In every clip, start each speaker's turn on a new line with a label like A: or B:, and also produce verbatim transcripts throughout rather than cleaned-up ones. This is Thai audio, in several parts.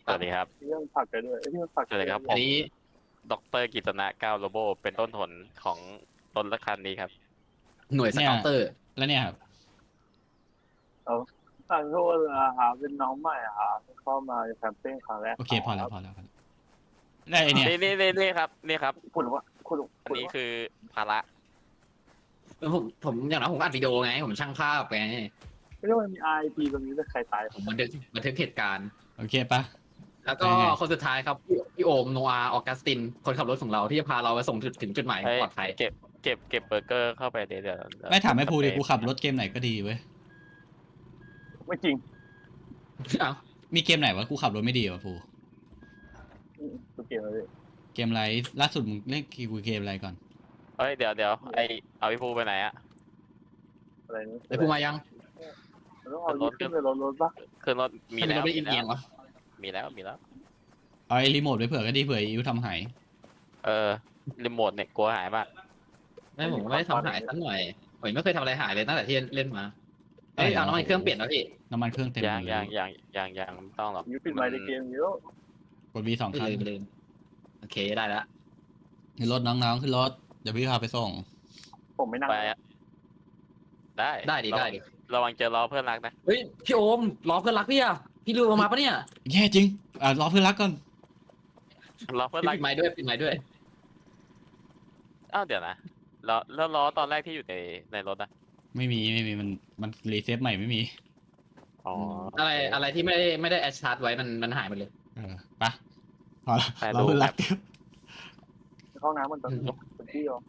A: วัสดีครับ
B: เรื่องผักกันด้วยเรื่องผัก
A: สวัสดีครับผ
C: อัน
A: ม
C: นี้
A: ดรกิตนะก้าวโลโบเป็นต้นหนของต้นละคันนี้ครับ
C: หน่วยส
D: เนี่ย
C: เกาเตอร์
D: แล้วเนี่ยครับ
B: เอาทางโทษนะครับเป็นน้องใหม่ครับเข้ามาแคมเปญครั้งแรก
D: โอเคพอแล้วพอแล้วพอแล้วได้ไอเนี่ย
A: นี่นี่นี่นี่ครับนี่ครับ
B: คุณว่าคุณ
A: อัน
B: คุณ
A: นี้
B: ว่า
A: คือภาระ
C: ผมผมอย่างนั้นผมอัดวิดีโอไง ผมช่างภาพไง
B: ไม่รู้มันมีไอพีตรงนี้แต่ใครตาย
C: ผมบันทึกบันทึกเหตุการณ์
D: โอเคปะ
C: แล้วก็
D: ยังไง
C: คนสุดท้ายครับพี่พี่โอมโนอาออกัสติน คนขับรถของเราที่จะพาเราไปส่งจุดถึงจุดหมาย
A: เฮ้ย
C: ปลอดภัย
A: เก็บเก็บเก็บเบอร์เกอร์เข้าไปเดี๋ยวเดี๋ยวเดี๋ยว
D: ไม่ถามให้ภูดิกูขับรถเกมไหนก็ดีเว้ย
B: ไม่จริง
C: เอ้า
D: มีเกมไหนวะกูขับรถไม่ดีวะภู
B: ตัวเกมอะไร
D: เกมอะไรล่าสุดมึงเล่นกูเกมอะไรก่อน
A: เฮ้ยเดี๋ยวเดี๋ยวไอเอาพี่ภูไปไหนอะ
B: อะไรนี่
C: ไอ้ภูมายัง
B: ต้องเอาขึ้นไปรถรถปะ
A: ขึ้นรถมี
C: มี
A: แล้
C: แล้ว
A: ว
C: ไม่
A: มี
C: เอี
A: แล้
C: ยง
A: ว
C: วะ
A: มีแล้วมีแล้ว
D: เอาไอ้รีโมทไปเผื่อก็ดีเผื่ออิวทำหาย
A: เออรีโมทเนี่ยกลัวหายมาก
C: ไม่ผมไม่ได้ทำหายสักหน่อยผมไม่เคยทำอะไรหายเลยตั้งแต่ที่เล่นมาเอ้ยเอาน้ำมันเครื่องเปลี่ยนแล้วพี่
D: น้ำมันเครื่องเต็ม
A: ยัง
D: เล
A: ยัง
D: ย
A: ยังยังยังไม่ต้องหรอก
B: ยูปิดไมค์ในเกมเยอะ
D: กดวีสอง
C: ไม่
D: ครั้ง
C: ลืมลืมโอเคได้แล้ว
D: ขึ้นรถน้องๆขึ้นรถเดี๋ยวพี่พาไปส่ง
B: ผมไม่นั่ง
A: ไปอะได้
C: ได้ดิได้ดิ
A: ระวังเจอล้อเพื่อนรักนะ
C: เฮ้ยพี่โอมล้อเพื่อนรักพี่อะพี่ลืมเอามาปะเนี่ย
D: แย่จริงอ่ารอเพื่อนรักก่อน
A: ล้อเพื่อน
C: พี่
A: รัก
C: ปิดไม้ด้วยปิดไม้ด้วย
A: อ้าวเดี๋ยวนะล้อแล้วล้อตอนแรกที่อยู่ในในรถอะ
D: ไม่มีไม่มีมันมันรีเซ็ตใหม่ไม่มี
A: อ๋อ
C: อะไรอะไรที่ไม่ได้ไม่ได้แอชชาร์จไว้มันมันหายหมดเลย
D: เออปะพอละ
A: ไป
D: รอ
A: ดู
D: เพื่อน
A: แบ
D: รัก
A: บ
B: เข้าน้ำมันตอนเป็นที่เหรอ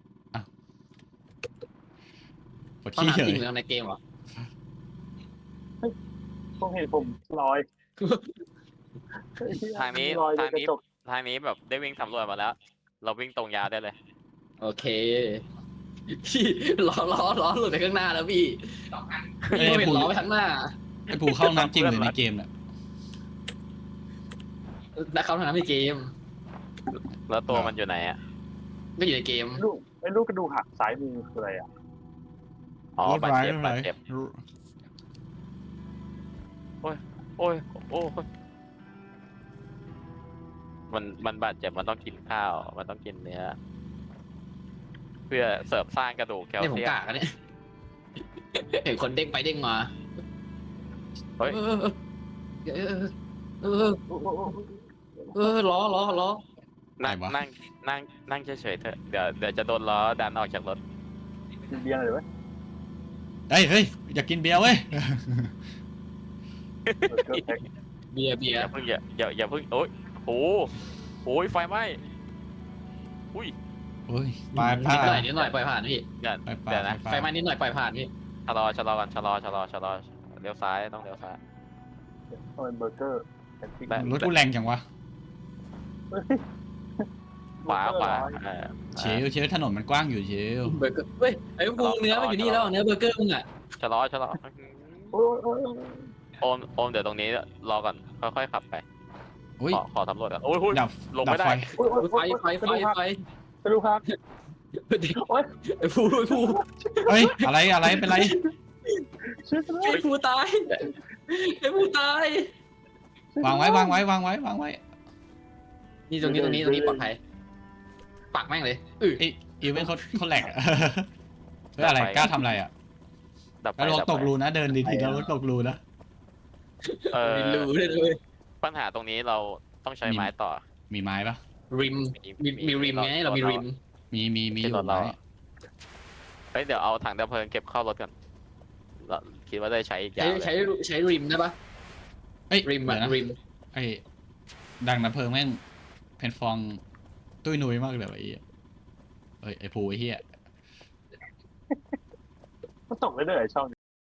D: ปวด
C: ต้อง
D: ขี้เฉ
C: น้ำจริ
D: ย
C: งหรือในเกมเหรอ
B: ต้องเห็นผมลอย
A: ทางนี้
B: ลอย
A: ทาง
B: กระ
A: นี้
B: จก
A: ทางนี้แบบได้วิ่งสำรวจมาแล้ว เราวิ่งตรงยาวได้เลย
C: โอเคพี่ล้อล้อล้อหลุดไปข้างหน้าแล้วพี่พี่ก็เห็นล้อไปข้างหน้า
D: ไอ้ภูเข้าน้ำจริงหรือในเกมเนี่ย
C: แล้วเขาทำในเกม
A: แล้วตัวมันอยู่ไหนอะ
C: ก็อยู่ในเกม
B: ลูกไอ้ลูกกระดูกหักซ้ายมือคืออะไรอ่ะ
A: อ๋อบาดเจ็บ
D: รถ
A: บาด
D: ไร้
A: เจ็บ
D: รถ
A: โอ้ยโอ้ยมันมันบาดเจ็บมันต้องกินข้าว มันต้องกินเนื้อ เพื่อเสริมสร้างกระดูกแคล
C: เนี่ยผม
A: เซียม
C: กากอะเนี่ยเห็นคนเด้งไปเด้งมา
A: เฮ้ย
C: เออเออเออเออล้อล้อล้อ
A: นั่งนั่งนั่งนั่งเฉยๆเถอะเดี๋ยวเดี๋ยวจะโดนล้อดันออกจากรถ
B: กินเบียร์เลยไหม
D: เฮ้ยเฮ้ยอยากกินเบียร์เว้ย
B: เออเกิดแท็ก
C: เบียร์เบี
A: อย
C: ร์
A: ย่าเพิ่งอย่าอย่าอย่าเพิ่งโอ้ยโอ้โหไฟไหม้อุ้ย
D: โอ้ยปลายผ้า
C: นิดหน่อยนิดหน่อยปล่อยผ่านพี่
A: เดี๋ยว
D: ปลายผ้า
A: เดี๋ยวนะ
C: ไฟไหม้นิดหน่อยปล่อยผ่านพี่
A: ชะลอชะลอกันชะลอชะลอชะลอเลี้ยวซ้ายต้องเลี้ยวซ้าย
B: ต้องเป็นเบอร์เกอร์แอนติก
A: ได้
D: รถกูแรงจังวะ
A: ขวาขวาเออ
D: เชลเชลถนนมันกว้างอยู่เชล
C: เบอร์เกอร์เฮ้ยไอ้พวกเนื้อมันอยู่นี่แล้วเนื้อเบอร์เกอร์มึงอ่ะ
A: ชะลอชะลอ
B: โอ้ยโอ้ย
A: โอมโอมเดี๋ยวตรงนี้รอก่อนค่อยๆขับไป
D: อุ้ย
A: ขอขอสำรวจก่อนโอ้ยโอ้ย
D: ดับ
A: ลง
D: ดั
A: ไม่
D: บ
A: ได้
D: ไฟ
B: โอ้ยโอ้ย
C: ไฟไฟไฟไฟ
B: กระดูกหัก โอ๊ย
C: ไอ้ผู้ไอ้ผู้
D: เฮ้ยอะไรอะไรเป็นไร
B: ช่วยกันเลย
C: ไอ้ผู้ตายไอ้ผู้ตาย
D: วางไว้วางไว้วางไว้วางไว้
C: นี่ตรงนี้ตรงนี้ตรงนี้ปลอดภัยปักแม่งเลยอือ
D: ไออีเวนต์เขาเขาแหลกอะ เฮ้ยอะไรกล้าทำอะไรอ่ะ
A: ดับไป
D: แล้วรถ
A: ดับ
D: ตก
A: ไป
D: รูนะเดินดีๆแล้วรถตกรูนะ
A: เออ
C: มีรูเลยเลย
A: ปัญหาตรงนี้เราต้องใช้ไม้ต่อ
D: มีไม้ปะ
C: ริมมีมีริมไงเรามีริม
D: มีมีมีอ
A: ที่
D: ยู่
A: รถเรา
D: ไม้
A: เฮ้ยเดี๋ยวเอาถังดับเพลิงเก็บเข้ารถก่อนเราคิดว่าได้ใช้อีกยา
C: ใช้
A: วเลย
C: ใช้ใช้ริมได้ปะ
D: เอ้ย
C: ริม
D: เดี๋
C: อะ
D: ยวนะ
C: ริม
D: ไอ้ดังน้ำเพลิงแม่งเพนฟองตุ้ยนุ้ยมากเลยว่ะไอ้เหี้ยเอ้ยไอ้ภูไอ้เหี้ย
B: มันตกได้เลยช่อง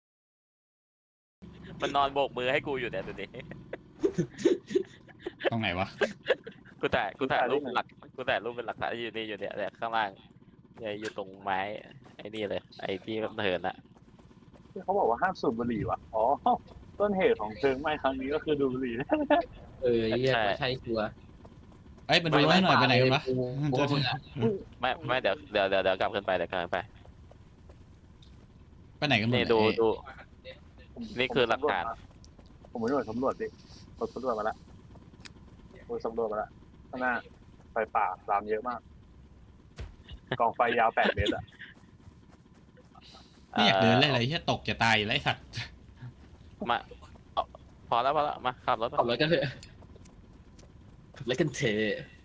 A: มันนอนโบกมือให้กูอยู่เนี่ยดูดิ
D: ตรงไหนวะ
A: กูแต่กูแต่ายรูปหลักกูแต่ายรูปเป็นหลักฐานอยู่นี่อยู่เนี่ยเนี่ยข้างล่างเนี่ยอยู่ตรงไม้ไอ้นี่เลยไอ้ที่เหินอะ
B: เขาบอกว่าห้ามสูบบุหรี่ว่ะอ๋อต้นเหตุของเพลิงไหม้ครั้งนี้ก็คือดูบุหรี่
C: เออเรียกว่าใช่ชัวร์
D: เอ้ยมาดูให้หน่อยไปไหนกันวะ
C: โอ้โหมึงอะ
A: ไม่ไม่เดี๋ยวเดี๋ยวเดี๋ยวเดี๋ยวกลับขึ้นไปเดี๋ยวกลับขึ้นไป
D: ไปไหนกันหมด
A: นี่
D: เนี่ย
A: ดู
D: เอ้ย
A: ดู นี่คือหลักฐาน
B: ผมไปหน่วยสำรวจดิผมสำรวจมาแล้วกูสำรวจมาแล้วข้างหน้าไฟป่าลามเยอะมาก กองไฟยาวแปดเมตรอะ
D: ไม่อยากเดินเลยอะไรที่ตกจะตายอยู่แล้วไอ้สัตว์
A: มาเอาพอแล้วพอแล้วมาขับรถ
C: ขับรถกันเถอะขับรถกันเถอะ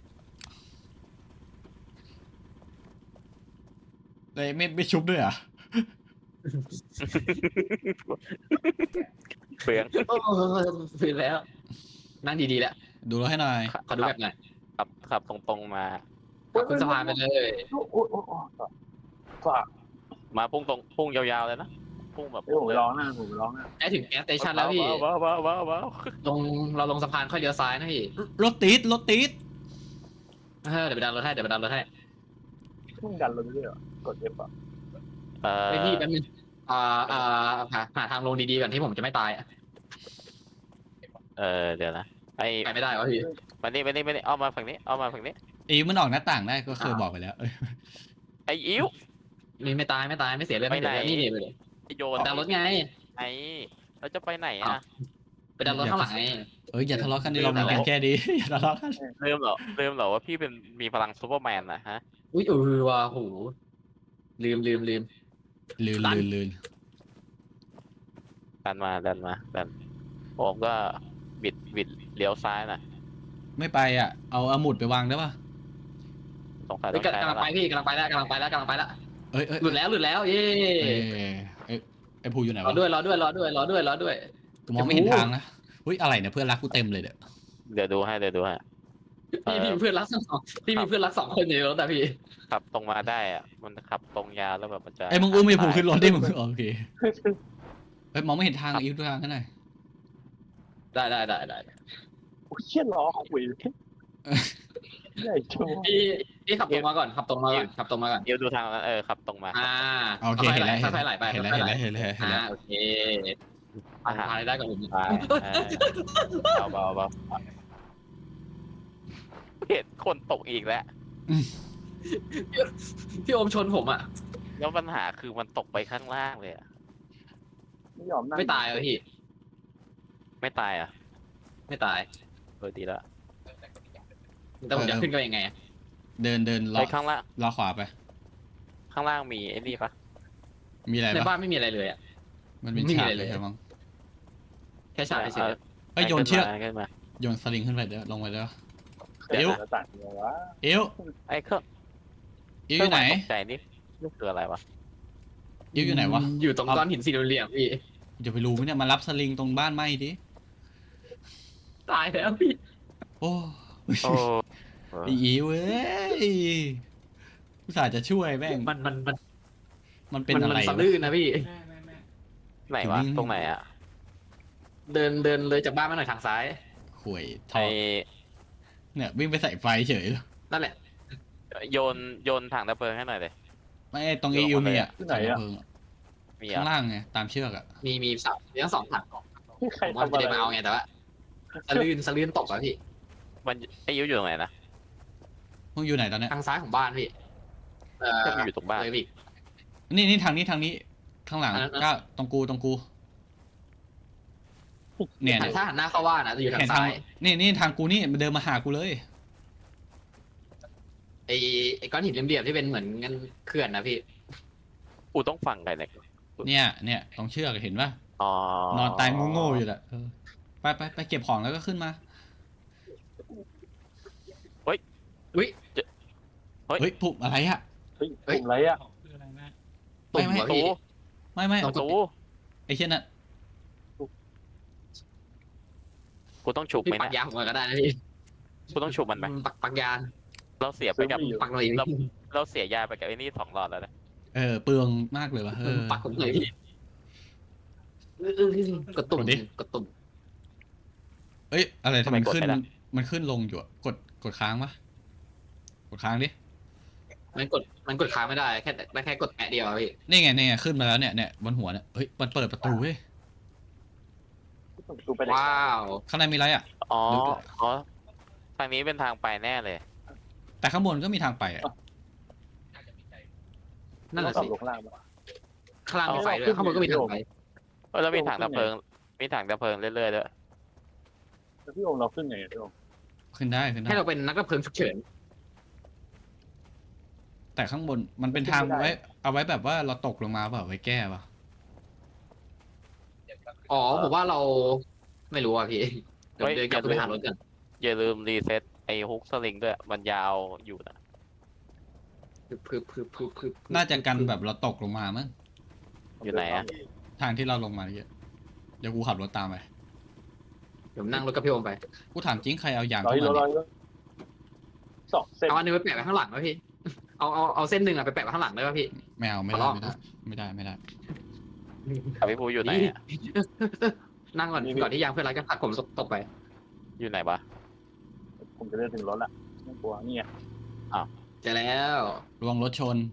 D: เลยไม่ไม่ชุบด้วยเหรอ่ะ
A: เปลือง
C: โอ้ฟื้นแล้ว นั่งดีๆแล้ว
D: ดูรถให้หน่อย
C: ขอดูแบบหน่อย
A: ขับขับตรงๆมา
C: ขับขึ้นสะพานไปเลย
B: โอ้โอ้โอ้โอ้ฝาก
A: มาพุ่งตรงพุ่งยาวๆเลยนะพุ่งแบบ
B: เดี๋ยวผมร้องหน้าผมร้องหน้า
C: ใกล้ถึงแก๊สสเตชันแล้วพี่
A: ว้าวว้าวว้าวว้าว
C: ลงเราลงสะพานค่อยเลี้ยวซ้ายนะพี่
D: รถติดรถติด
C: เออเดี๋ยวไปดันรถให้เดี๋ยวไปดันรถให้
B: มึงดันรถเรื่อยๆเหรอกด F อ่ะ
A: เออ
C: ไอพี่แป๊บนึงอ่าอ่าหาหาทางลงดีๆก่อนที่ผมจะไม่ตายอะ
A: เออเดี๋ยวนะไอ้
C: ไปไม่ได้วะพี่
A: มานี่มานี่มานี่เอามาฝั่งนี้เอามาฝั่งนี้
D: อีมันออกหน้าต่างได้ก็เคยบอกไปแล้วเอ้ย
A: ไอ้อิ๋ว
C: นี่ไม่ตายไม่ตายไม่เสียเลือด
A: ไป
C: ไม่เสียเลือด
A: ไหน
C: นี่นี่ไปเลย
A: ไอ้โยน
C: ไปดันรถไง
A: ไอ้เราจะไปไหน
C: อ้า
A: อ่ะ
C: ว ไปดันรถข้างหลังไง
D: เอ้ยอย่าทะเลาะกันดิเรามีกันแค่ดี อย่าทะเลาะกัน
A: เริ่มเหรอเริ่มเหรอว่าพี่เป็นมีพลังซูเปอร์แมนนะฮะ
C: อุ้ยเออว่ะโหลืมลืมลืม
D: ลืน
C: ตัน
D: ลืนลืน
A: ดันมาดันมาดันผมก็บิดบิดเลี้ยวซ้ายนะ
D: ไม่ไปอ่ะเอาอาหมุดไปวางได้ปะ
A: สงสัย
C: เฮ้
A: ต้
C: ย
A: องใช้
C: กำลังไป
A: แล้ว
C: พี่กำลังไปแล้วกำลังไปแล้วกำลังไปแล้ว
D: เอ้ยเอ้ย
C: หลุดแล้วหลุดแล้วเย้
D: เอ้ยเอ้ยไอ้ภูอยู่ไหน
C: รอ
D: วะ
C: ด้วยรอด้วยรอด้วยรอด้วยรอด้วย
D: กูมองไม่เห็นทางนะอุ้ยอะไรเนี่ยเพื่อนรักกูเต็มเลยเด้อ
A: เดี๋ยวดูให้เดี๋ยวดูให้
C: พี่พี่มีเพื่อนรักสองพี่มีเพื่อนรักสองคนอยู่ในรถแต่พี่
A: ขับตรงมาได้อะมันขับตรงยาวแล้วแบบมันจะ
D: ไอ้มึงอุ้มไอ้ภูขึ้นรถได้มึงโอเคเอ้ยมองไม่เห็นทางอีกทางกันหน่อย
C: ได้ได้ได้ได้
B: โอ้ยเชี่ยล้อคุยใหญ่โจ
C: พี่พี่ขับตรงมาก่อนขับตรงมาก่อนขับตรงมาก่อน
A: เดี๋ยวดูทางนั้นเออขับตรงมา
C: อ่า
D: โอเคเห็นแล้วเห็น
C: ค่อยๆไหลไป
D: แล้ว
C: ค่อยๆไหล
D: เห็นแล้วเห็นแล้วเห็นแล้วเห็น
C: อ่า
D: แล้ว
C: โอเคผ่านผ่านได้ก่อนผม
A: ไปเออเบาเบาเบาเห็นคนตกอีกแล้ว
C: พี่โอมชนผมอ่ะ
A: แล้วปัญหาคือมันตกไปข้างล่างเลยอะ
B: ไม่ยอมนั่ง
C: ไม่ตายเลยพี่
A: ไม่ตายอ่ะ
C: ไม่ตาย
A: เออดีแล้ว
C: แต่ผมจะขึ้นก็ยังไงอะ
D: เดินเดินล้
A: ไป
D: อ
A: ข้างล่าง
D: ล้อขวาไป
A: ข้างล่างมีไอ้นี่ปะ
D: มีอะไร
C: ใน
D: ปะ
C: บ้านไม่มีอะไรเลยอ่ะ
D: มันเป็น
C: ไม่มี
D: ฉาก
C: อะไร
D: เล
C: เลย ย
D: ใช่มั้ง
C: แค่ฉากเฉย
D: เอ้ยโยนเชือก
A: ขึ้นมา
D: โยนสลิงขึ้นไปเด้อลงไปเด้อ
B: เดี๋ยวจะตัดเลยวะ
D: เอว
A: ไอ้เครื่อง
D: เอวอยู่ไหน
A: ตกใจนี่นี่คืออะไรวะ
D: เอวอยู่ไหนวะ
C: อยู่ตรงก้อนหินสี่เหลี่ยมๆพี่
D: จะไปรู้ไหมเนี่ยมารับสลิงตรงบ้านไหมดิ
C: ตายแล้วพี่
D: โอ้
A: โอ้
D: ไอ้อีเว้ยอุตส่าห์จะช่วยแม่ง
C: มันมันมัน
D: มันเป็น
C: มัน
D: อะไร
C: มันสะ
D: วะ
C: ลื่นนะพี่
A: ไหนวะ
D: อยู่นิ่งๆ
A: ตรงไหนอ่ะ
C: เดินเดินเลยจากบ้านมาหน่อยทางซ้าย
D: ข่วยท
A: ไอ
D: อเนี่ยวิ่งไปใส่ไฟเฉยเลย
C: นั่นแหละ
A: โยนโยนถังดับเพลิงให้หน่อยเลย
D: ไม่ตรงเอวมีอ่ะถังดับเพลิงอะ
A: มี
D: ข้าง
A: อ่ะ
D: ล่างไงตามเชือกอ่ะ
C: มีมีสามมีทั้งสองถัง
B: ที่ใคร
C: ผมว่า
B: ทำ
C: จะ
B: อะไร
C: ได้มาเอาไงแต่ว่าสะลื่นสะลื่นตกอะพี่
A: มันไอ้ยูอยู่ตรงไหนนะ
D: มึงอยู่ไหนตอนเนี้ย
C: ทางซ้ายของบ้านพี่เออ
A: ก็อยู่ตรงบ้าน
C: เลยพี่
D: นี่นี่ทางนี้ทางนี้ข้างหลัง
C: อันนั้น
D: ก็ตรงกูตรงกู เนี่ย
C: หันถ้าหันหน้าเข้าบ้านนะจะอยู่ทา
D: เห็
C: ง
D: นทาง
C: ซ้าย
D: นี่นี่ทางกูนี่มันเดินมาหากูเลย
C: ไอ้ไอ้ก้อนหินเหลี่ยมๆที่เป็นเหมือนเงินเขื่อนนะพี่
A: กูต้องฟังใครเนี่ย
D: เนี่ยเนี่ยตรงเชือกเห็นป่ะ
A: อ๋อน
D: อนตายโง่ๆอยู่แหละเออไปไปไปเก็บของแล้วก็ขึ้นมา
C: อุ้ย
D: เฮ้ยปุ๊บอะไรอ่ะ
B: เฮ้ยกลุ่มอะไรอ่ะ
C: ตุ่ม
D: ไม่
C: วะ
A: ตู
C: พี่
D: ไม่ไม่
A: ตู
D: ไอ้เช่นน่ะ
A: กูต้องฉุบ
C: พี่
A: ไหม
C: ปัก
A: นะ
C: ยางผมก็ได้นะพี่
A: กูต้องฉุบมันไหม
C: ปักปักยาง
A: เราเสียไปกับ
C: ปักหน่อย
A: เราเราเสียยาไปกับไอ้นี่สองหลอดแล้วนะ
D: เออเปลืองมากเลยวะเออ
C: ปักผมหน่อยพี่เออเออเออกดตุ่ม
D: กดดิ
C: กดตุ่ม
D: เอ้ยอะไรทำไมขึ้นมันขึ้นลงอยู่อะกดกดค้างปะกดค้างดิ
C: มันกดมันกดค้างไม่ได้แค่ได้แค่กดแอะเดียวอะพี่
D: นี่ไงนี่ไงขึ้นมาแล้วเนี่ยเนี่ยบนหัวเนี่ยเฮ้ยมันเปิดประตูเว้ย
B: ดูไปเลย
C: ว้าว
D: ข้างในมีอะไรอ่ะ
A: อ๋ออ๋อทางนี้เป็นทางไปแน่เลย
D: แต่ข้างบนก็มีทางไปอ่ะ
C: นั่นแหละ
B: ต้อง
C: สิ
B: ลงล่างมา
C: ข้างล่างมีไฟด้วยข้างบนก็มีทางไฟ
A: เออแล้วมีถังดับเพลิงมีถังดับเพลิงเรื่อยๆด้วย
B: แล้วพี่โอมเราขึ้นไงพี่โอม
D: โอเคขึ้นได้ขึ้นได้
C: ให้เราเป็นนักดับเพลิงฉุกเฉิน
D: แต่ข้างบนมันเป็นทางไว้ เอาไว้แบบว่าเราตกลงมาเปล่าไว้แก้ป่ะ
C: อ๋อผมว่าเราไม่รู้อ่ะพี่เดี๋ยวเดินกลับไปหารถกัน
A: อย่าลืมรีเซ็ตไอ้ฮุกสลิงด้วยมันยาวอยู่นะ
C: พึบพึบพึบพึบพึบ
D: น่าจะกันแบบเราตกลงมามั้ง
A: อยู่ไหนอะ
D: ทางที่เราลงมาเยอะเดี๋ยวกูขับรถตามไป
C: เดี๋ยวนั่งรถกับพี่โอมไป
D: กูถามจริงใครเอายาง
B: ร้อย
D: เข้า
B: โล
D: มา
B: ร้อย
D: เนี่ย
B: โลสองเส้น
C: เอาอันนึงไปแปะไว้ข้างหลังไหมพี่เอาเอาเอาเส้นหนึ่งอะไปแปะไว้ข้างหลังได้ป่ะพี่
D: ไม่เอาไม่
C: ขอ
D: ได้
C: ลอง
D: ไม่ได้ไม่ได้ไม่ได้
A: กับพี่ภูอยู่ไหนอะ
C: นั่งก่อนก่อนที่ยางเพื่อนรักจะผลักผมตกไป
A: อยู่ไหนวะ
B: ผมจะเดินถึงรถละไม่กลัวนี่ไง
C: เจอแล้ว
D: ระวังรถชน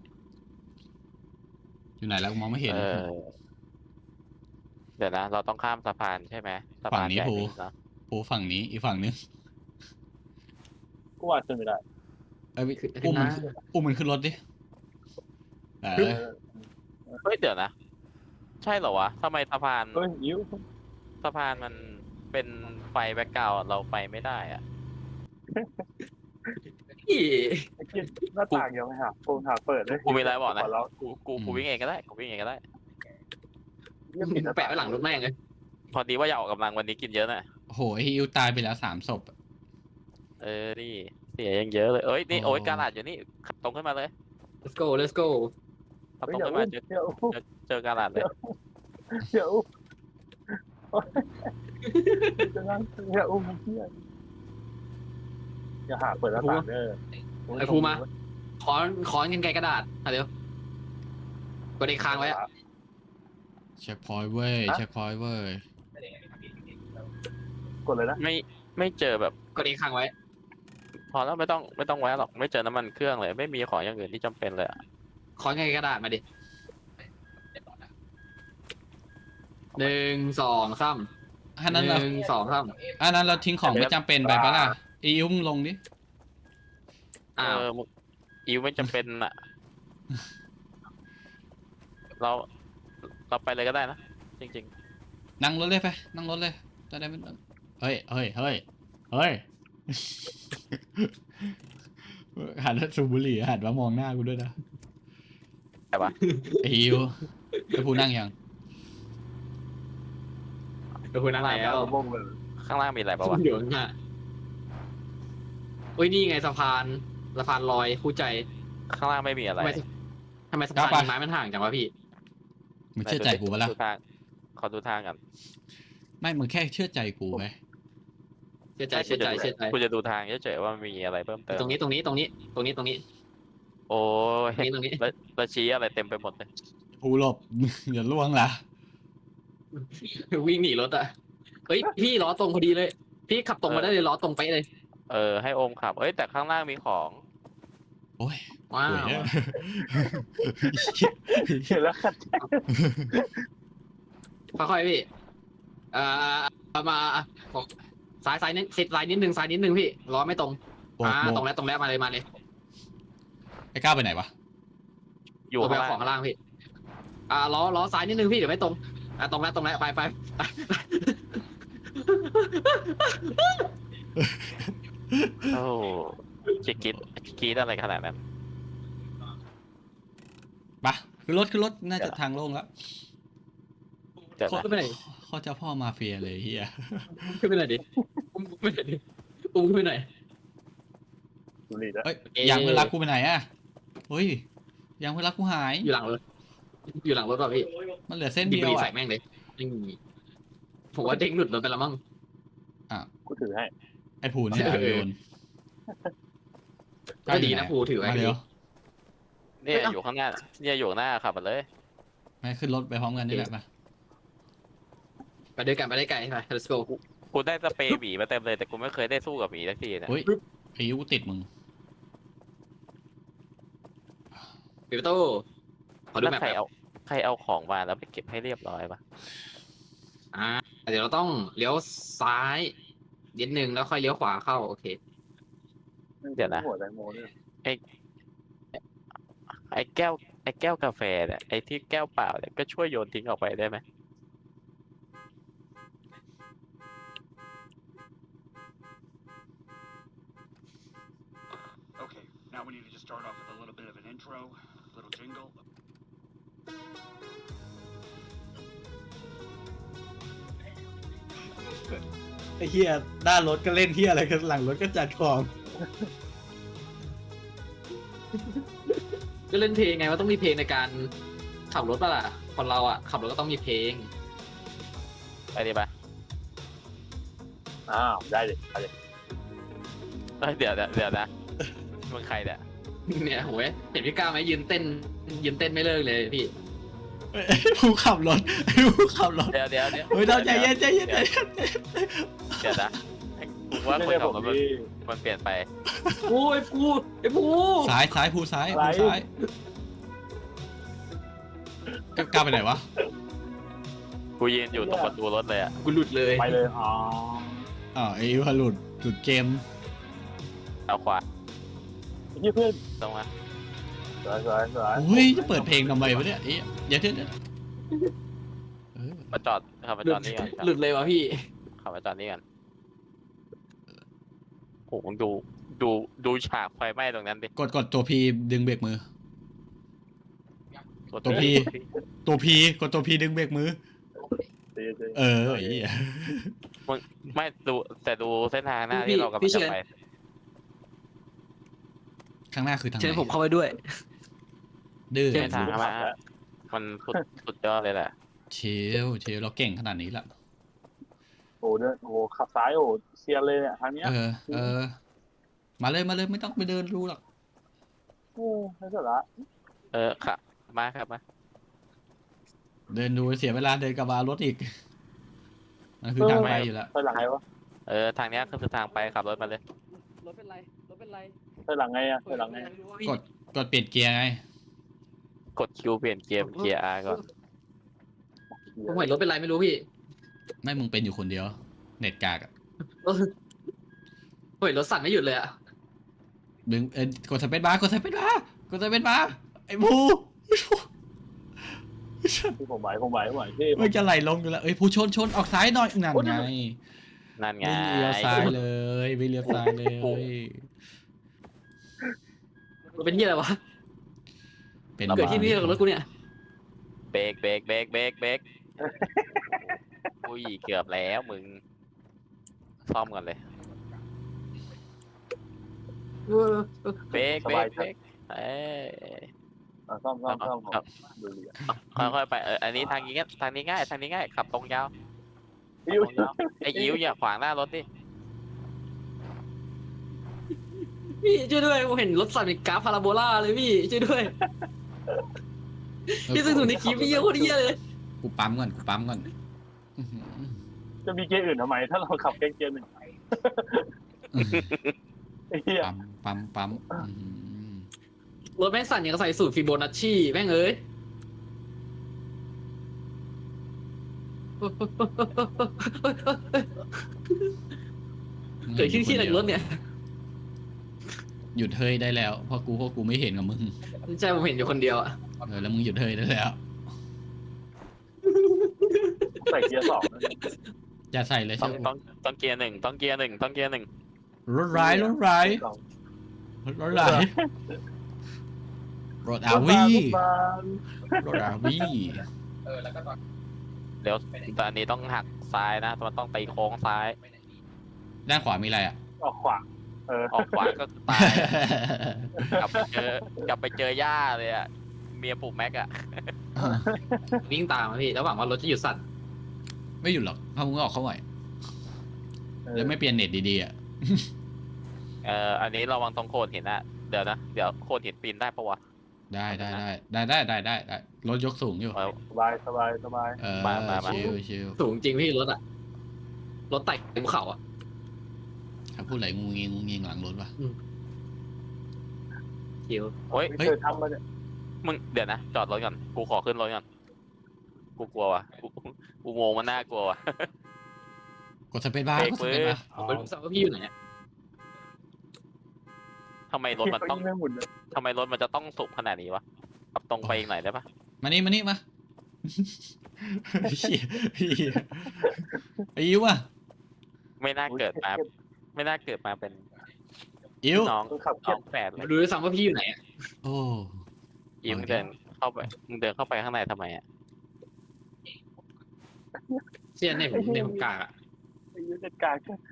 D: อยู่ไหนแล้วกูมองไม่เห็น
A: เออเดี๋ยวนะ เราต้องข้ามสะพานใช่ไหมสะ
D: ฝั่
A: พาง น
D: นี้
A: ใหญ่
D: ภู
A: นี่เนอะ
D: ภูฝั่งนี้อีกฝั่งนึง
B: กูว่าขึ้นไม่ได้
D: เอ้ย
C: ขึ้น
D: อุ้มมัน
C: นะ
D: อุ้มมันขึ้นรถดิเอ
B: เอ
D: อ
B: อ
A: เฮ้ยเดี๋ยวนะ ใช่เหรอวะทำไมสะพาน
B: เฮ้ยยิ้ว
A: สะพานมันเป็นไฟแบ็กกราวด์เราไปไม่ได้อะ
C: พี่
B: ไอ้เหี้ยหน้าต่างยังไม่หาโฟนหาเปิดเลย
A: กูมีอะไรบอกนะ
B: ขแล้ว
A: กูกูกูวิ่งเองก็ได้กูวิ่งเองก็ได้
B: เหี้ยปิดน้า
C: แปะไว้หลังรถแม่งเลย
A: พอดีว่าอยากออกกำลังวันนี้กินเยอะน่ะ
D: โอ้โหไอ้ฮิวตายไปแล้วสามศพ
A: เออนี่เสียยังเยอะเลยเอ้ยนี่
D: โอ้
A: โอ้ยกาลาดอยู่นี่ขับตรงขึ้นมาเลย
C: let's go let's go
A: ขับ
B: เฮ้
A: ต
B: ย
A: รง
B: อย่า
A: ขึ้น
B: อุ้
A: มาม เจอ
B: อย่าอุ้ม
A: เจอกาลาดเลย
B: เดี๋ยวจะนั่งอย่าอุ้มเพื่อนอย่าหาเปิดหน้าต่างเด้อ
C: ไอ้ภูมา ขอนขอนกันไกลกระดาษอ่ะเดี๋ยวกดไอ้ค้างไว้อะ
D: เช็คพอยต์เว้ยเช็คพอยต์เว้ย
B: กดเลยนะ
A: ไม่ไม่เจอแบบ
C: กดไอ้ค้างไว้
A: พอแล้วไม่ต้องไม่ต้องแวะหรอกไม่เจอน้ำมันเครื่องเลย ไม่มีของอย่างอื่นที่จำเป็นเลยอะ
C: ขอนกันไกลกระดาษมาดิหนึ่งสองสาม
D: อันนั้น
C: ห
D: เรา
C: นึ่งสองสาม
D: อันนั้นเราทิ้งของไม่จำเป็นไปปะล่ะอีอุ้มลงดิ
C: อ้าว
A: เออมึงอิวไม่จำเป็นอะเราเราไปเลยก็ได้นะ จริง
D: นั่งรถเลยไปนั่งรถเลยจะได้ไม่ต้องเฮ้ยเฮ้ยเฮ้ยเฮ้ย หันมาสูบบุหรี่หันมามองหน้ากูด้วยนะ
A: ๆแต่ว่า
D: ไอ้ฮิวไอ้ผู้นั่งยัง
C: เดี๋ยวคุณนั่ง
B: หน้า
C: แล้ว
B: เราบ้งเลย
A: ข้างล่างมีอะไรปะวะ
C: เดี๋ยวนะอุ้ยนี่ไงสะพานสะพานลอยคู่ใจ
A: ข้างล่างไม่มีอะไร
C: ทำไมทำไมสะพานไม้มันห่างจังวะพี่
D: มึงเชื่อใจกูปะล่ะ
A: ดูทางขอดูทางกัน
D: ไม่มึงแค่เชื่อใจกูไหม
C: เชื่อใจเชื่อใจเชื่อใจ
A: กูจะดูทางเฉยๆว่ามันมีอะไรเพิ่มเติม
C: ตรงนี้ตรงนี้ตรงนี้ตรงนี้ตรงนี้
A: โอ้ย
C: ตรงนี้ตรงนี้
A: แล้วแล้วชี้อะไรเต็มไปหมดเลย
D: กูหลบ อย่าล่วงล่ะ
C: วิ่งหนีรถอ่ะเฮ้ยพี่ล้อตรงพอดีเลย พี่ขับตรงมาได้เลยล้อตรงไปะเลย
A: เออให้โอมขับเอ้ยแต่ข้างล่างมีของ
D: โอ้ย
C: ว้า
D: โอ้ยว เนี่ย
B: เห็นแล้วขัดใจ
C: ค่อยๆพี่เอ่อเอามาซ้ายซ้ายนิดซ้ายนิดนึงซ้ายนิดนึงพี่ล้อไม่ตรง
D: โบก
C: อ่า
D: โบ
C: ตรง
D: ก
C: แล้วตรงแล้วมาเลยมาเลย
D: ไอ้ก้าวไปไหนวะ
A: อยู่
C: ตัวไป
A: ข้าง
C: เอา
A: ล่าง
C: ของข้างล่างพี่ อ่าล้อล้อซ้ายนิดนึงพี่เดี๋ยวไม่ตรงอ่าตรงแล้วตรงแล้วไปไป
A: โอ้จะคิดคิดอะไรขนาดนั้น
D: ปะคือรถคือรถน่าจะทางโล่งแล้ว
A: เดี๋ยว
D: เขา
A: นะ
C: ขึ้นไปไหน
D: เขาเจ้าพ่อมาเฟียเลยเฮีย
C: ขึ้นไปไหนอยดิอุ้มขึ้นไปไหนอยดิอุ้มขึ้นไปไหนอย
B: ดูดีแล้ว
D: เอ้ย
C: เอ๊ะ
D: ยางเพื่อนรักกูไปไหนอะเฮ้ยยางเพื่อนรักกูหาย
C: อยู่หลังรถอยู่หลังรถป่ะพี่
D: มันเหลือเส้น
C: ดิ
D: เดี
C: บ
D: ยว
C: รี
D: อะ
C: ใส่แม่งเลยนี่ผมว่าเด้งหลุดรถไปแล้วมั้ง
B: กูถือให้
D: ไอ้ผูเนี่ย
C: เออ
D: โยน
C: ก็ดีนะภูถือไว้
D: มาเร็ว
A: เนี่ยอยู่ข้างหน้าเนี่ยอยู่ข้างหน้าขับมาเลย
D: ไม่ขึ้นรถไปพร้อมกันนี่แหละมา
C: ไปด้วยกันไปได้ไกลไป let's go
A: กูได้สเปรย์หมีมาเต็มเลยแต่กูไม่เคยได้สู้กับหมีสักทีเนี่ย
D: เฮ้ยไอ้ยูกูติดมึง
C: ปิดประตูขอดู
A: แล้ว
C: แมพ
A: ใคร
C: แป๊บ
A: เอาใครเอาของมาแล้วไปเก็บให้เรียบร้อยปะ
C: อ่าเดี๋ยวเราต้องเลี้ยวซ้ายนิดนึงแล้วค่อยเลี้ยวขวาเข้าโอเค
A: เดี๋ยวนะ
B: หัวแตงโมด้วย
A: ไอ้แก้วไอ้แก้วกาแฟเนี่ยไอ้ที่แก้วเปล่าเนี่ยก็ช่วยโยนทิ้งออกไปได้ไหม
E: start off with a little bit of an intro, little jingle.
D: ไอ้เหี้ยหน้ารถก็เล่นเหี้ยอะไรกันหลังรถก็จัดของ
C: ก็เล่นเพลงไงว่าต้องมีเพลงในการขับรถป่ะล่ะคนเราอ่ะขับรถก็ต้องมีเพลง
A: ไปดิไป
B: อ้าวได้ดิไปดิ
A: เอ้ยเดี๋ยวเดี๋ยวเดี๋ยวนะมึงใครเนี่ย
C: เนี่ยโหยเห็นพี่ก้าวไหมยืนเต้นยืนเต้นไม่เลิกเลยพี่
D: ไอ้ผู้ขับรถไอ้ผู้ขับรถ
A: เดี๋ยวเดี๋ยวเดี๋ยว
D: เฮ้ยเราใจเย็นใจเย็นใจเย็น
A: เดี๋ยวนะกูว่าคน
B: ไม่
A: ขั
B: ใช่
A: บ
B: ผม
A: รถมัน
B: ที่
A: มันเปลี่ยนไป
C: โอ้ยปูไอ้ปู
D: ซ้ายซ้ายผู้ซ้าย
B: อะไร
D: ผู้ซ้ายกกล้าไปไหนวะ
A: กูยืนอยู่ตรงประตูรถเลยอ่ะ
C: กูหลุดเลย
B: ไปเลยอ๋อ
D: อ๋อไอ้พลุดหลุดเกม
A: เอาขวา
B: เฮียเพื่อน
A: ตรงมา
B: สวยสวยสวย
D: โอ้ยจะเปิดเพลงทำไมวะเนี่ยเอ๊ะเดี๋ยวเดี๋ยวเดี๋ยวเออ
A: มาจอดขับมา
C: หลุ
A: จอ
C: ด
A: ดนี่ก่อน
C: หลุดเลยวะพี่
A: ขับมาจอดนี่ก่อนโหมึงดูดูดูฉากไฟไหม้ตรงนั้นดิ
D: กดกดตัวพีดึงเบรกมือ
A: กด
D: ตัว P ตัวพีกดตัวพีดึงเบรกมือ
B: ตีตี
D: เออไอ้เหี้ย
A: ไม่ดูแต่ดูเส้นทางหน้า
C: พี่
A: ที่เรากำลัง
C: พี่เชิ
A: จะ
C: ญ
A: ไป
D: ข้างหน้าคือทางไห
C: เชิญ
D: น
C: ผมเข้าไปด้วย
D: ดื้อ
C: เชิญ
A: เส้นทางมามันสุดสุดยอดเลยแหละ
D: เชลเชลเราเก่งขนาดนี้ละ
B: โอ้เดินโอ้ขับซ้ายโอ้เซียนเลยเนี่ยทางเนี้ย
D: เออเออ มาเลยมาเลยไม่ต้องไปเดินรู้หรอก
B: โอ้ไม่สาระ
A: เออขับมาครับมา
D: เดินดูเสียเวลาเดินกลับมารถอีกมันคือทางไปอยู่แล้ว
B: ไปหลังไงวะ
A: เออทางเนี้ยคือทางไปขับรถมาเลย
C: รถเป็นไรรถเป็นไร
B: ไปหลังไงอะไปหลังไง
D: กดกดเปลี่ยนเกียร์ไง
A: กดคิวเปลี่ยนเกียร์เกียร์อาร์ก่อน
C: ผมเห็นรถเป็นไรไม่รู้พี่
D: ไม่มึงเป็นอยู่คนเดียว เน็ตกากอะ
C: ผมเห็นรถสั่นไม่หยุดเลยอะ
D: ดึงเออกดสเปซบาร์กดสเปซบาร์กดสเปซบาร์ไอ้บู
B: ที่ผมไหวผมไหวผมไหวที่
D: มันจะไหลลงอยู่แล้วเอ้ยผู้ชนชนออกซ้ายหน่อยนั่นไง
A: นั่นไง
D: ไม่เลี้ยวซ้ายเลยไม่เลี้ยวซ้ายเลย
C: รถเป็นที่อะไรวะ
D: เป็น
C: เกิดที่นี่กับรถกูเนี่ย
A: เบรกเบรกเบรกเบรกเบรกอุ้ยเกือบแล้วมึงซ่อมกันเลยเบรกเบรกเบรกเอ้ย
B: อ่ะซ่อมซ่อมซ่อมผม
A: ครับ
B: ดูดิอ่ะ
A: ค่อยๆไปเอออันนี้ทางนี้ง่ายทางนี้ง่ายทางนี้ง่ายขับตรงยาว
B: อิ้ว
A: ตรงยาวไอ้อิ๋วอย่าขวางหน้ารถดิ
C: พี่ช่วยด้วยผมเห็นรถสั่นเป็นกราฟพาราโบลาเลยพี่ช่วยด้วยพี่ซึ่งดูในคลิปพี่เยอะโคตรเยอะเลย
D: กูปั๊มก่อนกูปั๊มก่อนอื้อหือ
B: จะมีเกียร์อื่นทำไม ถ้าเราขับแค่เกียร์หนึ่งไอ้เหี้ย
D: ปั๊มปั๊มปั๊มอื้อหือ
C: รถแม่งสั่นอย่างกับใส่สูตรฟิโบนัชชีแม่งเอ้ย เกิดขึ้นที่ไหนรถเนี่ย
D: หยุดเฮ้ยได้แล้วเพราะกูเพราะกูไม่เห็นกับมึง
C: ใช่ผมเห็นอยู่คนเดียวอะ
D: เออแล้วมึงหยุดเฮ้ยได้แล้ว
B: ใส่เกียร์สองนะ
D: จะใส่เลย
A: ต้
D: ใช่
A: อง
D: ไหม
A: ต้องต้องเกียร์หนึ่งต้องเกียร์หนึ่งต้องเกียร์หนึ่ง
D: รถร้ายรถร้าย
B: สอง
D: รถร้ายรถอาวี
B: รถบาน
D: รถอาวี
A: เดี๋ยวตอนนี้ต้องหักซ้ายนะมันต้องไปโค้งซ้าย
D: ด้านขวามีอะไรอ่ะ
B: ออกขวาเออ
A: ออกขวาก็ตายกลับไปเจอกลับไปเจอย่าเลยอ่ะเมียปลูกแม็กอ่ะ
C: วิ่งตามมาพี่แล้วหวังว่ารถจะหยุดสั่น
D: ไม่หยุดหรอกถ้ามึงออกเข้าไหวแล้วไม่เปลี่ยนเน็ตดีๆอ่ะ
A: เอ่ออันนี้ระวังตรงโคนหินนะเดี๋ยวนะเดี๋ยวโคนหินปีนได้ปะวะ
D: ได้ได้ได้ได้ได้ได้ได้รถยกสูงอยู่
A: เอา
B: สบายสบายสบาย
D: เออ
A: มามามา
D: ชิวชิว
C: สูงจริงพี่รถอะรถไต่ภูเขาอะ
D: ถ้าพูดอะไรงูเงียงูเงียหลังรถวะ
C: คิว
A: โอ้ย
B: ไม่เคยทำมาเนี่ย
A: มึงเดี๋ยวนะจอดรถก่อนกูขอขึ้นรถก่อนกูกลัวว่ะกูกูงงมันน่ากลัวว่ะ
D: กดสเปซบาร์
A: เบรก
D: กดสเปซบาร์
C: ผมไม่รู้สักว่าพี่อยู่ไหนอะ
A: ทำไมรถมันต้อง
B: ไม่หมุนเลย
A: ทำไมรถมันจะต้องสุกขนาดนี้วะขับตรงไปอีกหน่อยได้ปะ
D: มานี่มานี่มาเหี้ยเหี้ยไอ้ยิ้วอ่ะ
A: ไม่น่าเกิดมาไม่น่าเกิดมาเป็น
D: อิ๋ว
A: น้อง
B: คนขับเครี
A: น้
B: ย
A: อ
B: ด
A: งแฝดเลย
C: ดูด้วยซ้ำว่าพี่อยู่ไหนอะ
D: โอ้
A: อิวมึงเดินเข้าไปมึงเดินเข้าไปข้างในทำไมอ่ะ
C: เชี่ยเนี่ยผมเนี่ยผมกากอะ
B: ไอ้ยุทธการ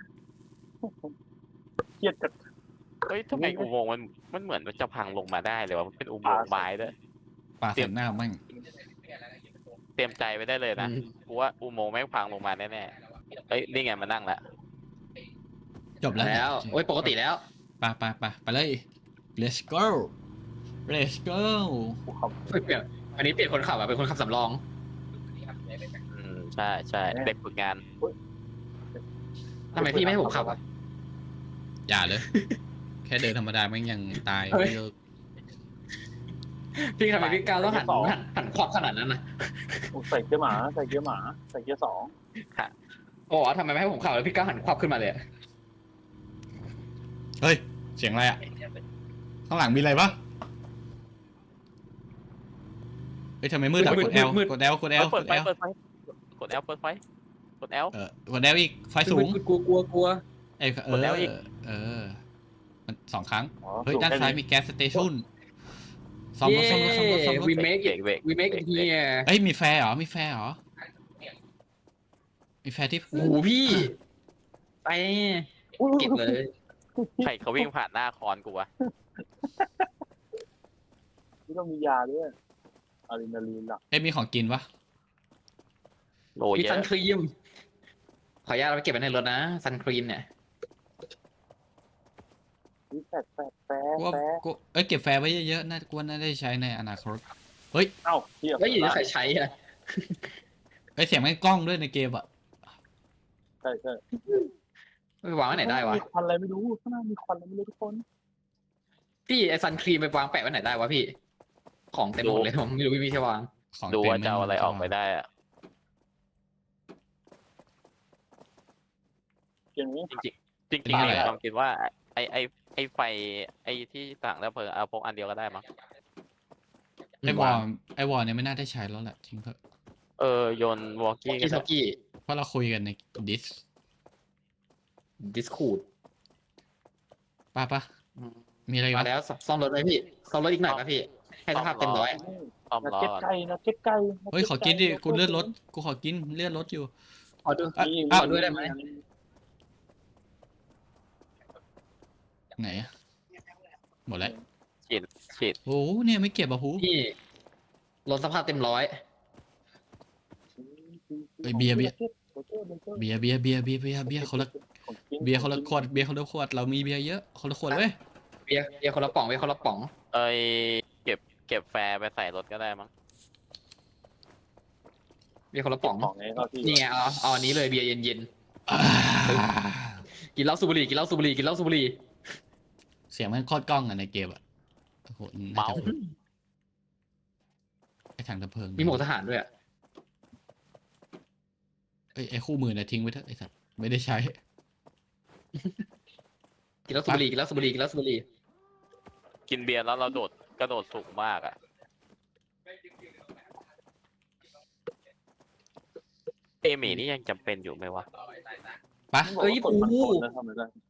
B: เครียดจัด
A: เฮ้ยทำไมอุโมงค์มันมันเหมือนมันจะพังลงมาได้เลยวะมันเป็นอุโมงค์ไม้ด้วย
D: ปลาใส่หน้าแม่ง
A: เตรียมใจไว้ได้เลยนะกูว่าอุโมงค์แม่งพังลงมาแน่ๆเอ้ยนี่ไงมานั่งละ
D: จบแล้ว
C: แล้วโอ้ยปกติแล้ว
D: ไปไปไปไปเลย let's go let's go
B: กูขับ
C: เปลี่ยนอันนี้เปลี่ยนคนขับอะเป็นคนขับสำรอง
A: อืมใช่ใช่เด็กฝึกงาน
C: ทำไมพี่ไม่ให้ผมขับอะ
D: อย่าเลย แค่เดินธรรมดาแม่งยังตาย
C: เฮ้ย
D: ไม่เลิก
C: พี่ทำไมพี่ก้าวต้องหันหันหันควับขนาดนั้นนะ
B: ใส่เกียร์หมาใส่เกียร์หมาใส่เกียร์สอง
C: โอ้โหทำไมไม่ให้ผมขับแล้วพี่ก้าวหันควับขึ้นมาเลยอะ
D: เฮ้ย เสียงอะไรอ่ะ ข้างหลังมีอะไรปะเฮ้ยทำไมมืดอ่ะกด L กด L กด L
A: เปิ
D: ก
A: ด
D: ด
A: ไฟ
D: L
A: เปิดไฟกด L เปิดไฟกด L
D: เออกด L อีกไฟสูง
C: กลัวกลัวกลัว
D: ไอ้เอก
A: ด L
D: อ
A: อีก
D: เออมันสองครั้ง
B: อ๋อ
D: เฮ้ย ด้านซ้ายมีแก๊สสเตชันซ่อมรถซ่อมรถซ่อมรถซ่อมรถ
C: วีเมค
A: เบรกเบรก
C: วีเมคเฮีย
D: เฮ้ยมีแฟร์เหรอ มีแฟร์เหรอ มีแฟร์ที่
C: โอ้โหพี่ ไปเก็บเลย
A: ใครเขาวิ่งผ่านหน้าคอนกูวะ
B: นี่ต้องมียาด้วยอะดรีนาลีนหลัก
D: เอ้ยมีของกินปะ
A: โล
C: มี
A: เย
C: ซัน
A: อะ
C: ครีม ขออนุญาตเอาไปเก็บไว้ในรถนะซันครีมเนี่ย
B: นี่แปดแปดแปด
D: กูว่า
B: แปด
D: กูเอ้ยเก็บแฟร์ไว้เยอะๆน่ากูว่าน่าได้ใช้ในอนาคต
B: เอ้าเทียบ
C: แล้วอยู่ที่ใครใช้อะ
D: เอ้ยเสียงมันกล้องด้วยในเกมอ่ะ
B: ใช่ใช่
C: ไปวางไว้ไหนได้วะ
B: มีควันอะไรไม่รู้ข้างหน้ามีควันอะไรไม่รู้ทุกคน
C: พี่ไอซันครีมไปวางแปะไว้ไหนได้วะพี่ ของเต็มหมดเลยผมไม่รู้พี่พี่จะวาง
D: ของ
A: ดู
D: เต็ม
A: ว่าจะเอาอะไร
D: ม่
A: ออกไปได้อะ
B: เกมนี้
A: จริงๆเนี่ยความคิดว่าไอไอไอไฟไอที่ต่างแล้วเพลิงเอาพกอันเดียวก็ได้มั้ง
D: ไอวอลไอวอลเนี่ยไม่น่าได้ใช้แล้วแหละทิ้งเถอะ
A: เออโยนวอลกี้
C: กี้
A: กัน
C: ท็อกกี้
D: เพราะเราคุยกันในดิส
C: ดิสคูด
D: ป้าปะมีอะไร
C: มาว
D: ะ
C: แล้วซ่อมรถเลยพี่ซ่อมรถอีกหน่อยป่ะพี่ ให้สภาพเต็มร้อย
A: ซ่อม
B: นัก
A: ล้อ
B: เก็ตไก่นักเก็ตไก่
D: เฮ้ยขอกินดิกูเลื่อนรถกูขอกินเลื่อนรถอยู่
C: ขอดู
D: อ่ะ
B: นี่
C: อ้าวด้วยได้ไหม
D: ไหนอะหมดแล้ว
A: ฉีดฉีด
D: โอ้โหเนี่ยไม่เก็บอ่ะหู
C: พี่รถสภาพเต็มร้อย
D: เฮ้ยเบียร์เบียร์ เบียร์เบียร์เบียร์เบียร์เบียร์เบียร์คนละเบียร์คนละขวดเบียร์คนละขวดเรามีเบียร์เยอะคนละขวดเว้ย
C: เบียร์เบียร์คนละป๋องเบียร์คนละป๋อง
A: เอ้ยเก็บเก็บแฟร์ไปใส่รถก็ได้มั้ง
C: เบียร์คนละป๋อง
B: ของไงครับพี่
C: นี่ไงเอาเอาอันนี้เลยเบียร์เย็น
D: อ่า
C: ๆกินเหล้าสูบบุหรี่กินเหล้าสูบบุหรี่กินเหล้าสูบบุหรี่
D: เสียงมันโคตรกล้องอะในเกมอะโอ้โหน่า
A: เมา
D: จะไอถังดับเพลิง
C: มีหมวกทหารด้วยอะ
D: เอ้ยไอคู่มือเนี่ยทิ้งไว้เถอะไอสัตว์ไม่ได้ใช้
C: กินเหล้าสูบบุหรี่กินเหล้าสูบบุหรี่กินเหล้าสูบบุหรี่
A: กินเบียร์แล้วเราโดดกระโดดสูงมากอ่ะเอหมี่นี่ยังจำเป็นอยู่ไหมวะ
D: ปะ
B: เอ้ยปูทำไมได้